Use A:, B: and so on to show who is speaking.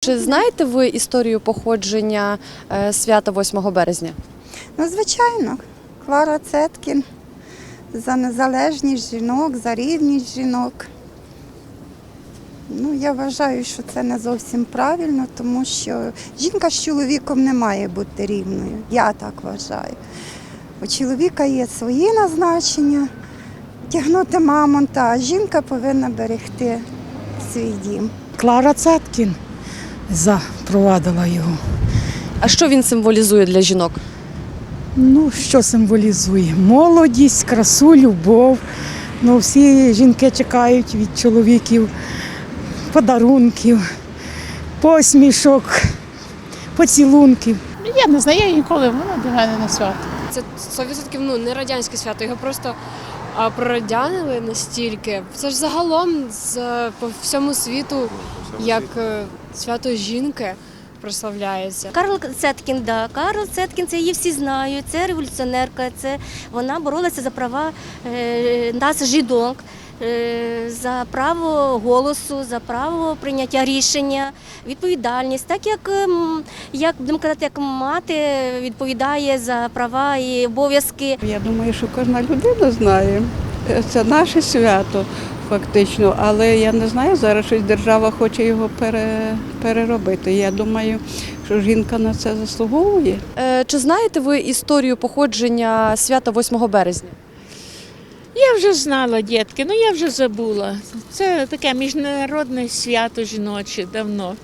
A: Чи знаєте ви історію походження свята 8 березня?
B: Ну, звичайно, Клара Цеткін за незалежність жінок, за рівність жінок. Ну, я вважаю, що це не зовсім правильно, тому що жінка з чоловіком не має бути рівною. Я так вважаю. У чоловіка є свої назначення, тягнути мамонта, а жінка повинна берегти свій дім.
C: Клара Цеткін запровадила його.
A: А що він символізує для жінок?
C: Ну, що символізує? Молодість, красу, любов. Ну, всі жінки чекають від чоловіків подарунків, посмішок, поцілунків.
D: Я не знаю, я ніколи, воно для мене не свято.
E: Це 100% не радянське свято, його просто прорадянили настільки. Це ж загалом по всьому світу як свято жінки прославляється.
F: Карл Цеткін, да. Карл Цеткін, це її всі знають, це революціонерка, вона боролася за права нас, жінок, за право голосу, за право прийняття рішення, відповідальність. Так як будемо казати, як мати відповідає за права і обов'язки.
G: Я думаю, що кожна людина знає. Це наше свято фактично, але я не знаю, зараз щось держава хоче його переробити. Я думаю, що жінка на це заслуговує.
A: Чи знаєте ви історію походження свята 8 березня?
D: Я вже знала, дітки, я вже забула. Це таке міжнародне свято жіноче давно.